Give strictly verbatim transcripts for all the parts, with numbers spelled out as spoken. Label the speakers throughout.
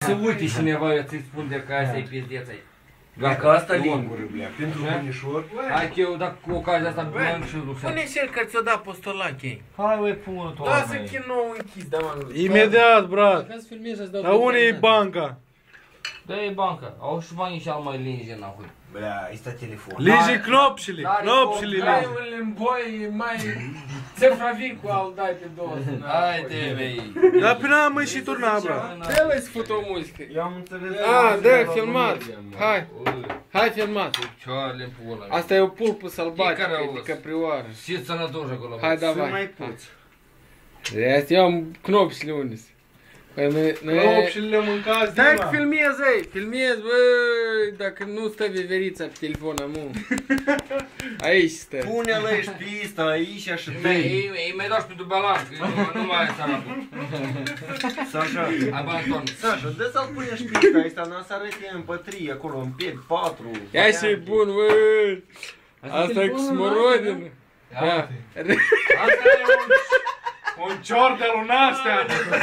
Speaker 1: să uite cineva, eu ți-i spun de că asta e pizdeț aici.
Speaker 2: Dacă asta lingură, blea, pentru bunișor.
Speaker 1: Hai că eu, dacă cu ocazia asta bun și Lucian.
Speaker 3: Pune și el că ți-o da postolache.
Speaker 1: Hai, băi, pune tu.
Speaker 3: Lasă chinou închis, da, mă.
Speaker 4: Imediat, brat.
Speaker 5: Ca să filmezi, să-ți dau...
Speaker 4: Dar unde e banca?
Speaker 1: Dă-i banca. Au și banii și al mai linge înapoi.
Speaker 2: Blea, ăsta telefon.
Speaker 4: Linge knopșile, knopșile linge.
Speaker 3: Dai-ul în boi, mai... Țefravicu al dai pe două.
Speaker 1: Hai te, vei.
Speaker 4: Dar până am și turna, brat.
Speaker 3: Dă-l să fut o muzică.
Speaker 2: Eu am înțeles.
Speaker 3: A, dă, filmat. Hai. Hai, filmat.
Speaker 1: Cioarele în pula.
Speaker 3: Asta e o pulpă sălbatică
Speaker 1: Fiecare
Speaker 3: de
Speaker 1: os.
Speaker 3: caprioară.
Speaker 1: Și sănătoși acolo.
Speaker 3: Hai,
Speaker 2: Să
Speaker 3: davai.
Speaker 2: mai puți.
Speaker 3: Asta eu am knopșile unde Păi noi...
Speaker 4: Knopșile le mâncați,
Speaker 3: Dai
Speaker 4: Dima.
Speaker 3: că filmez, ei, filmez, băi, dacă nu stă veverița pe telefon, amu. Aici stă.
Speaker 2: Pune-l aici pista, aici și
Speaker 1: Ei,
Speaker 2: tăi.
Speaker 1: ei, ei mai dau și pentru balans, că nu, nu mai e săracul.
Speaker 2: Sasha,
Speaker 1: Hai, bă, Anton.
Speaker 2: Sasha, dă să-l pune și pista ăsta, n-a să arăte în pătrie, acolo, în piept, patru.
Speaker 3: Ia și e bun, băi. Asta e cu smorodină.
Speaker 1: Ia.
Speaker 4: Asta e un, un cior de lunastea.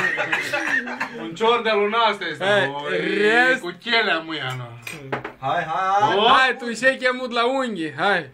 Speaker 4: Un cior de lunastea este.
Speaker 3: Hai,
Speaker 4: Oi,
Speaker 3: rest.
Speaker 4: cu chelea mâia, nu.
Speaker 2: Hai, hai, hai.
Speaker 3: Hai, tu și-ai chemut la unghi, hai.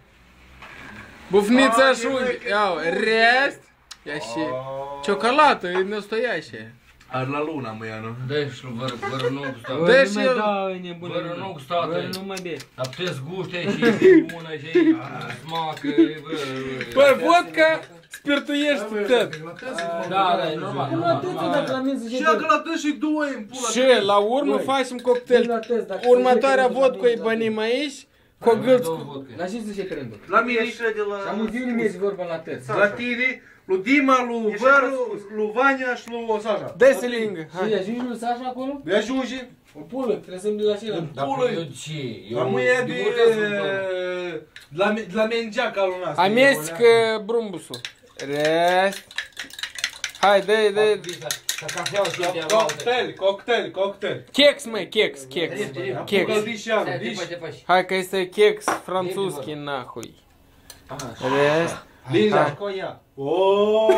Speaker 3: Bufnița
Speaker 2: Hai,
Speaker 3: și unghi.
Speaker 2: băi,
Speaker 3: Iau, rest. Ia și ciocolată, e năstoiașe.
Speaker 4: Ar la luna mâia, nu?
Speaker 1: Dă-i și vără, vără nu gustată.
Speaker 3: Dă și el.
Speaker 5: Da, e nebună.
Speaker 1: Vără nu gustată.
Speaker 5: Vără nu mai bine.
Speaker 1: Dar puteți guște și e bună și e smacă, bă.
Speaker 3: Păi, vodka spirtuiești tot.
Speaker 1: Da, da, e normal.
Speaker 5: Nu la tăță dacă la mine zice...
Speaker 4: Și dacă la tăi și două în pula.
Speaker 3: Și la urmă facem cocktail. Următoarea vodcă îi bănim aici. Cu o gâlță cu...
Speaker 5: La ce zice trendul?
Speaker 4: La mine,
Speaker 2: Ieși de la...
Speaker 5: Și am zi mergi vorba la tăță.
Speaker 4: la tine, lui Dima, lui Văru, lui Vania și lui Sasha.
Speaker 3: Dă-i lingă,
Speaker 5: Și
Speaker 3: hai.
Speaker 5: ajungi lui Sasha acolo?
Speaker 4: Le ajunge.
Speaker 5: O pulă, trebuie să-mi de la cele.
Speaker 1: Dar
Speaker 4: Pulă.
Speaker 1: eu ce? Eu
Speaker 4: La mâia de...
Speaker 1: multe sunt, bă.
Speaker 4: De la, de la mengeaca lui noastră.
Speaker 3: Amestecă brumbusul. Rest. Hai, dă-i, dă-i.
Speaker 1: Ca cafeaua și de
Speaker 4: Cocktail, cocktail, cocktail.
Speaker 3: Chex, măi, chex, chex. Chex.
Speaker 4: Apucă-l și anul,
Speaker 1: Te
Speaker 4: dici?
Speaker 1: faci, te faci.
Speaker 3: Hai că este chex franțuzski, nahui. Rest.
Speaker 4: Linja.
Speaker 3: Hai.
Speaker 2: Coia.
Speaker 4: Oooo.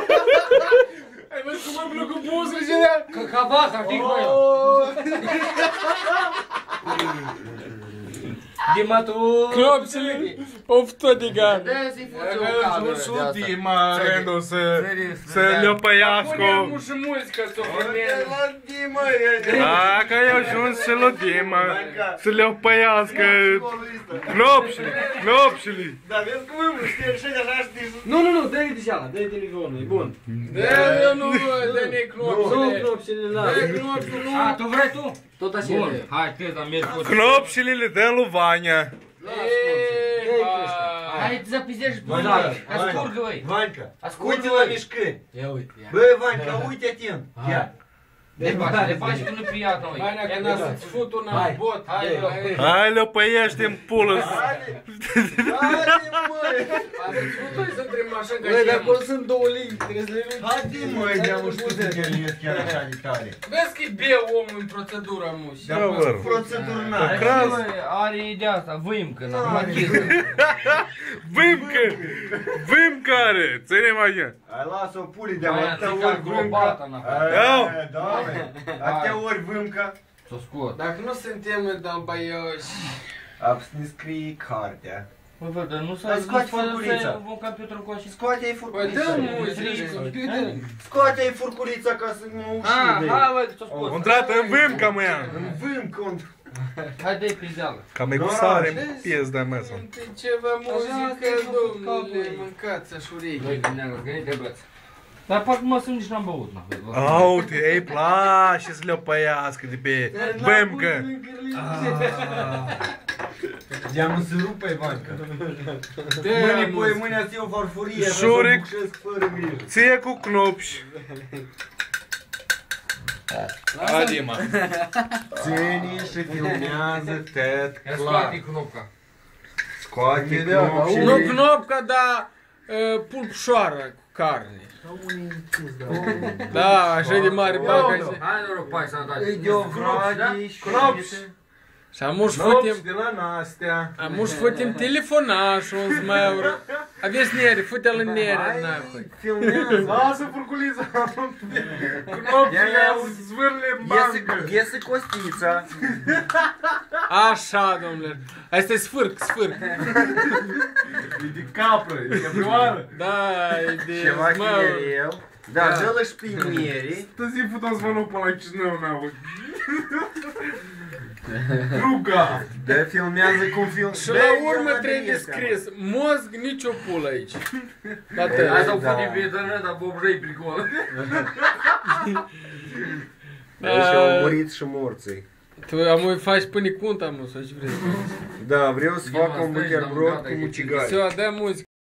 Speaker 3: Ai văzut cum îmi plăcut buzele și alea?
Speaker 1: Că cavaca, fii cu el.
Speaker 2: Dima, tu...
Speaker 3: Clopsile, of tot de gana.
Speaker 1: Dă-i fuți o
Speaker 4: Dacă
Speaker 1: cadră
Speaker 4: își
Speaker 1: de asta.
Speaker 4: Dima rândul să, să le
Speaker 3: Punem
Speaker 4: opăiască.
Speaker 3: și muzică să o filmeze.
Speaker 2: La Dima,
Speaker 4: Dacă ai ajuns și lui Dima să le opăiască. Knopșile, knopșile.
Speaker 2: Da, vezi cum îmi știi și așa știi.
Speaker 5: Nu, nu, nu, dă-i de ceala, dă-i telefonul, e bun.
Speaker 3: Dă-i, nu, dă-ne
Speaker 5: Nu,
Speaker 3: clopsile.
Speaker 5: clopsile la...
Speaker 3: Dă-i clopsile, nu.
Speaker 1: A, tu vrei tu?
Speaker 5: Tot așa
Speaker 1: Bun,
Speaker 5: e.
Speaker 1: hai, te dar mergi cu...
Speaker 4: Knopșile le dăm lui Vania.
Speaker 3: Ei, ba.
Speaker 1: Hai, te zapizdești pe
Speaker 2: Vanca,
Speaker 1: noi. Ascurgă, băi.
Speaker 2: Vanca,
Speaker 1: Ascurgă,
Speaker 2: uite la
Speaker 1: băi.
Speaker 2: mișcări.
Speaker 5: Ia uite, ia.
Speaker 2: Bă, Vanca, uite atent. Ia.
Speaker 1: Le faci, le faci că nu priat noi.
Speaker 3: Bani, că n-a să-ți fut una în bot. Hai, hai.
Speaker 4: Hai le opăiește în pulă.
Speaker 2: Haide, haide, măi.
Speaker 3: A să-ți fut noi să întrebăm așa ca
Speaker 5: Băi,
Speaker 3: și
Speaker 5: dar
Speaker 3: el.
Speaker 5: acolo sunt două linii, trebuie să le luăm.
Speaker 2: Haide, măi, de-am știut să te liezi chiar așa de tare.
Speaker 3: Vezi că e beu omul în procedura, muși.
Speaker 2: De-am fost procedurnat.
Speaker 4: Craz.
Speaker 1: Are ideea asta, vâimcă, n-am machiză.
Speaker 4: Vâmcă, vâmcă are. Ține mai.
Speaker 2: Hai, lasă-o puli de-am
Speaker 1: Aia,
Speaker 2: atâtea
Speaker 1: țica
Speaker 2: ori
Speaker 1: globată,
Speaker 2: vâmca.
Speaker 1: n-a
Speaker 4: Iau.
Speaker 2: Aia, da, măi. Atâtea ori vâmca.
Speaker 1: S-o scot.
Speaker 3: Dacă nu suntem dalbaioși...
Speaker 2: Ab să ne scrie cartea.
Speaker 1: Mă văd, dar nu s-a
Speaker 2: Hai, scoate furculița.
Speaker 1: un computer cu așa.
Speaker 2: Scoate-i
Speaker 3: Păi dă
Speaker 2: furculița.
Speaker 3: muzică, computer.
Speaker 2: Scoate-i furculița ca să mă
Speaker 1: Ah,
Speaker 2: uși de
Speaker 1: hai, bă, că s-o scot.
Speaker 4: Intrată în vâmca, măia.
Speaker 2: În vâmcă, în...
Speaker 1: Hai, dă-i pizdeală.
Speaker 4: Cam e cu sare în piezda mea sau.
Speaker 3: Întâi ceva muzică, domnule, mâncați așa urechi.
Speaker 1: Băi, gândeam, că nu te băți. Dar parcă mă sunt nici n-am băut, n-a
Speaker 4: Aute, ei place să le opăiască de pe vâmcă.
Speaker 2: De-am să rupă Ivanca.
Speaker 3: Dă
Speaker 2: Mâine, pui,
Speaker 3: muzică.
Speaker 2: mâine ați o farfurie,
Speaker 4: Șuric.
Speaker 2: să bucesc fără grijă.
Speaker 4: Ție cu knopși. Adima.
Speaker 2: Ține și filmează tet
Speaker 1: Ia
Speaker 2: clar.
Speaker 1: scoate knopca.
Speaker 2: Scoate
Speaker 3: Nu
Speaker 2: knopșile.
Speaker 3: knopca, dar uh, pulpșoară cu carne. Da, așa de mare bani.
Speaker 1: Hai, noroc, pai, sănătate.
Speaker 2: Îi de-o vrade și...
Speaker 4: Knopși.
Speaker 3: Și amuși
Speaker 2: Nopți
Speaker 3: fătem...
Speaker 2: de la Nastea.
Speaker 3: Amuși fătem telefonașul, un zmaur. Aveți nere, fute-l în nere, nahui.
Speaker 2: Hai, filmează.
Speaker 4: Lasă furculița. Cu
Speaker 2: Ia,
Speaker 4: nopțile
Speaker 2: ia,
Speaker 4: zvârle în
Speaker 2: Iese,
Speaker 4: bancă.
Speaker 2: iese Costița.
Speaker 3: Așa, domnule. Asta e sfârc, sfârc.
Speaker 4: E de capră, e de caprioară.
Speaker 3: Da, e de
Speaker 2: Ceva
Speaker 3: zmaur.
Speaker 2: chinereu. Da,
Speaker 3: Da.
Speaker 2: dă-l și pe mierii.
Speaker 4: Tăzi futam zvonul până la Chișinău, n-au. Ruga!
Speaker 2: Da, filmează cum film.
Speaker 3: Și la urmă trebuie scris, mozg nicio pulă aici. Tată,
Speaker 1: Hai să-o
Speaker 2: Da.
Speaker 1: punem pe internet, dar Bobrei pricol.
Speaker 2: Aici au murit și morții.
Speaker 3: tu am faci până cunta, mă, să-și vrei.
Speaker 2: Da, vreau să fac
Speaker 1: Eu
Speaker 2: un
Speaker 1: asta ești,
Speaker 2: buterbrod
Speaker 1: am gata,
Speaker 2: cu
Speaker 1: e
Speaker 2: mucigai.
Speaker 3: Все, дай музыку.